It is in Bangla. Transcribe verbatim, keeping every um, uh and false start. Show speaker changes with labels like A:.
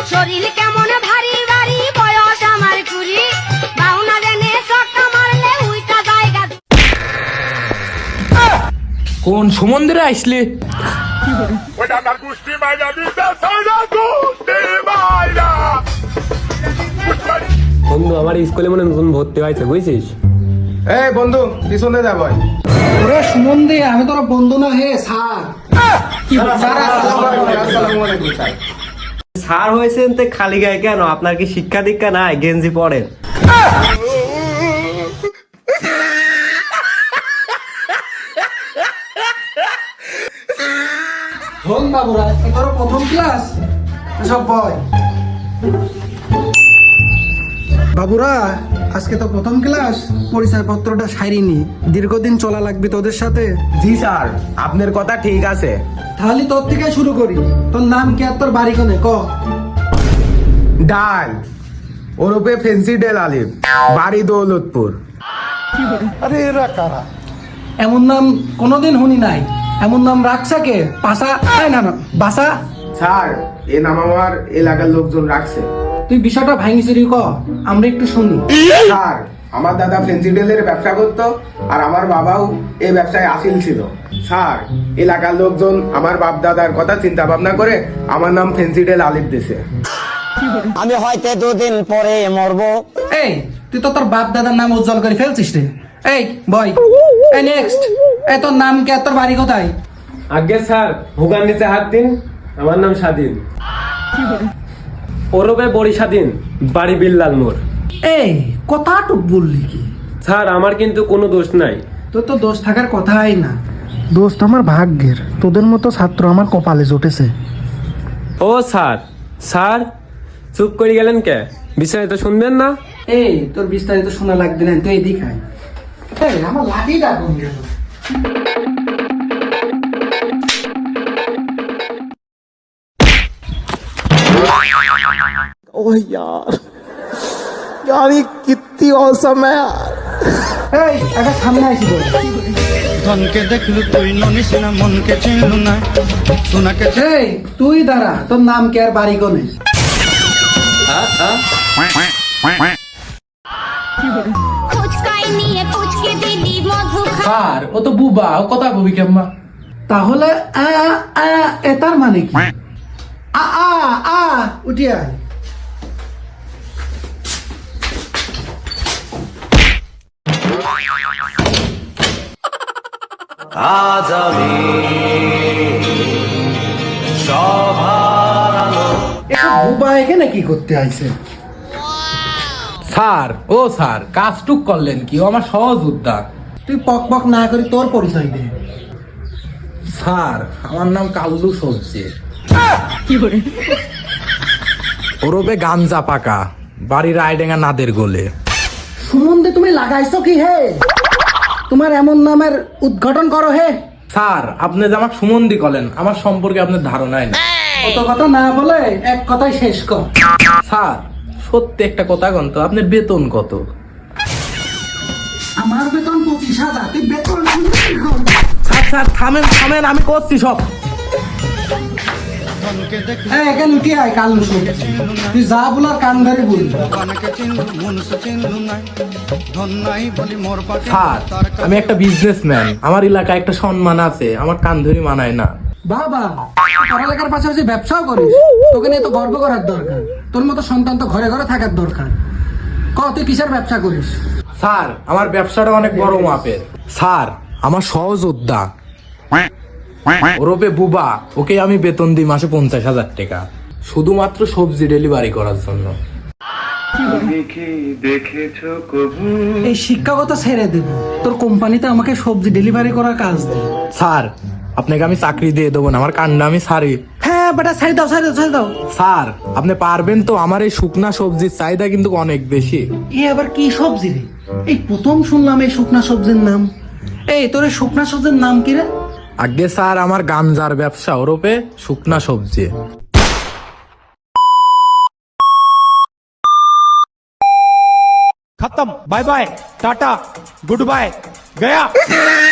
A: শরীর কেমন ভারী ভারী, বয়স আমার কুড়ি, বাউনা দেনে চক্কা মারলে উইটা জায়গা।
B: কোন সমুদ্রে আইসলে?
C: বন্ধু আমার স্কুলে মনে নতুন ভর্তি হয়েছে বুঝছিস?
D: এই বন্ধু পিছনে যা ভাই।
E: ওরে সুমন দে, আমি তোর বন্ধু না হে স্যার।
D: স্যার আসসালামু আলাইকুম স্যার।
C: স্যার হয়েছেন তো খালি গায়ে কেন? আপনার কি শিক্ষা দীক্ষা নাই? গেঞ্জি পরেন।
E: ধন বাবুরা, আজকে তোর প্রথম ক্লাস, সব বয়। বাবুরা, আজকে তো প্রথম ক্লাস, পরিচয় পত্রটা সারিনি, দীর্ঘদিন চলা লাগবে তোদের সাথে।
D: জি স্যার, আপনার কথা ঠিক আছে।
E: তাহলে তোর থেকে শুরু করি। তোর নাম কি আর তোর বাড়ি কোনে ক?
D: ডাল ওরূপে ফেন্সি ডেল আলিফ, বাড়ি দৌলতপুর।
E: আরে এরা কারা? এমন নাম কোনোদিন শুনি নাই। এমন নাম রাখছা কে? পাশা? এই না না, বাসা।
D: স্যার এ নাম আমার এলাকার লোকজন রাখছে।
E: তুই বিষয়টা ভাঙিছিলি ক, আমরা একটু শুনি।
D: স্যার আমার দাদা ফেন্সি ডেলের ব্যবসা করতো, আর আমার বাবাও এই ব্যবসায় আসিল ছিল। স্যার এলাকার লোকজন আমার বাপ দাদার কথা চিন্তা ভাবনা করে আমার নাম ফেন্সি ডেল আলিফ দিছে।
F: আমি হয়তো দুদিন পরে মরবো।
E: এই তুই তো তোর বাপ দাদার নাম উজ্জ্বল করে ফেলছিস রে। এই বয়, এই নেক্সট। এই তোর নাম কি আর তোর বাড়ি কোথায়?
C: আগে স্যার ভুগার নিচে হাত দিন। আমার নাম স্বাধীন, ওরবে বড়ি স্বাধীন, বাড়ি বিল্লাল মোড়।
E: এই কথাটুক বললি কি?
C: স্যার আমার কিন্তু কোনো দোষ নাই।
E: তোর তো দোষ থাকার কথাই না। দোস্ত আমার ভাগ্যের, তোদের মতো ছাত্র আমার কপালে জুটেছে।
C: ও স্যার, স্যার চুপ করে গেলেন কে? বিস্তারিত শুনবেন না?
E: এই তোর বিস্তারিত শোনা লাগবে না, তুই এদিক আয়। এই আমার লাঠিটা কোন গেল?
G: ओह यार यार ये कितनी औसम है यार।
E: এই একটা সামনে আইছি বল।
H: ধনকে দেখলু তুই ননিস না, মনকে চিনলু না, সোনাকে
E: এই তুই দাঁড়া, তোর নাম কি আর বাড়ি কোনে?
A: ফুচকাই নিয়ে ফুচকে দিলি মধু খা।
B: স্যার ও তো বুবা, ও কথা বলবি কেম্মা?
E: তাহলে আ আ এটার মানে কি? আ আ আ উঠি আয়।
H: আজ আমি
E: এসব বুবা এখানে কি করতে আইছে?
B: স্যার ও স্যার কাজটুক করলেন কি? ও আমার সহজ উদ্যোগ।
E: তুই পক পক না করি তোর পরিচয় দে।
B: স্যার আমার নাম কাল্লু সবজি, ওরবে গাঞ্জা পাকা, বাড়ি রায়ডেঙ্গা নাদের গোলে।
E: সুমন্দে তুমি লাগাইছো কি হে? তোমার এমন নামের উদ্ঘাটন করো হে?
B: স্যার আপনি যে আমাকে সুমন্দি করেন, আমার সম্পর্কে আপনার ধারণাই না।
E: কত কথা না বলে এক কথাই শেষ কর।
B: স্যার সত্যি একটা কথা কন তো, আপনার বেতন কত?
E: আমার বেতন পঁচিশ হাজার, তুই বেতন
B: স্যার স্যার থামেন থামেন, আমি করছি সব।
H: ধনকে দেখলু
E: হ্যাঁ এখানে উঠে আয় কাল তুই যা বলার কান ধরে বলবি।
H: ভগবানকে চিনলু, মনুষ্য চিনলু না, ধন নাই বলি মোর পাকে
B: স্যার
H: তার কাছে
B: আমি একটা বিজনেসম্যান, আমার এলাকায় একটা সম্মান আছে, আমার কান ধরি মানায় না।
E: বাবা পড়ালেখার পাশাপাশি ব্যবসাও করিস, তোকে নিয়ে তো গর্ব করার দরকার। তোর মতো সন্তান তো ঘরে ঘরে থাকার দরকার। ক তুই কিসের ব্যবসা করিস?
B: স্যার আমার ব্যবসাটা অনেক বড় মাপের। স্যার আমার সহযোদ্ধা ওরবে বুবা, ওকে আমি বেতন দিই মাসে পঞ্চাশ হাজার টাকা, শুধুমাত্র সবজি ডেলিভারি করার জন্য।
E: এই শিক্ষাগত ছেড়ে দেব, তোর কোম্পানিতে আমাকে সবজি ডেলিভারি করার কাজ দে।
B: স্যার আপনাকে আমি চাকরি দিয়ে দেবো না, আমার কান্না আমি সারি।
E: হ্যাঁ বেটা ছেড়ে দাও ছেড়ে দাও ছেড়ে দাও।
B: স্যার আপনি পারবেন তো? আমার এই শুকনা সবজির চাহিদা কিন্তু অনেক বেশি।
E: এ আবার কি সবজি রে? এই প্রথম শুনলাম এই শুকনা সবজির নাম। এই তোর এই শুকনা সবজির নাম কি রে?
B: আগে স্যার আমার গাঞ্জার ব্যবসা, ওরপে শুকনা সবজি।
H: खत्म, bye bye, tata, goodbye, गया।